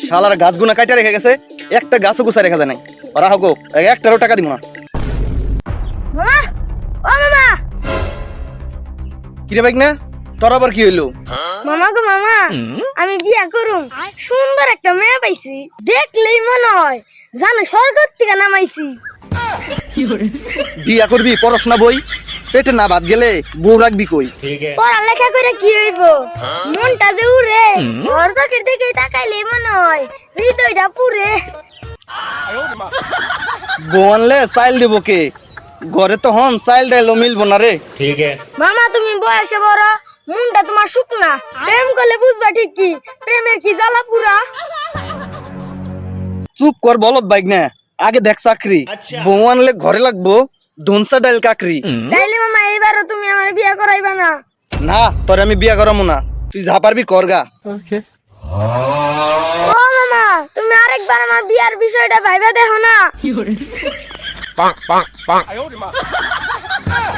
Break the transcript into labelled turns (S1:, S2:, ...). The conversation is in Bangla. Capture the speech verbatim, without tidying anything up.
S1: শালার গাছগুনা কাটা রেখে গেছে, একটা গাছও গুছা রেখা যায় নাই। ওরা হোক একটারও টাকা দিব না।
S2: মামা ও মামা
S1: কিরে বাইক না, তোর আবার কি হইলো?
S2: মামা গো মামা, আমি বিয়া করুম, সুন্দর একটা মেয়ে পাইছি, দেখলেই মনে হয় জানো স্বর্গ থেকে নামাইছি।
S1: বিয়া করবি, পড়াশোনা বই পেটে না ভাত গেলে বউ রাখবি কই?
S2: পড়ালেখা করে কি হইব, মনটা যে উড়ে, ওর চোখের দিকে তাকাইলেই মনে হয় হৃদয়টা পুরে।
S1: বউ আনলে চাইল দেব কে? ঘরে তো হন চাইল ডাইলো মিলবো না রে।
S2: মামা তুমি বয়সে বড়, মনটা তোমার শুকনা, প্রেম করলে বুঝবা ঠিক কি প্রেমের কি জ্বালা পুরা।
S1: চুপ কর বলত বাইক না, আগে দেখ চাকরি। বউ আনলে ঘরে লাগবো ধনসা ডাইল কাকরি।
S2: তাইলে মামা এইবারও তুমি আমার বিয়া করাইবা না?
S1: না, তোরে আমি বিয়া করামু না, তুই যা পারবি করগা।
S2: ও মামা, তুমি আরেকবার আমার বিয়ার বিষয়টা ভাইবা দেখো না।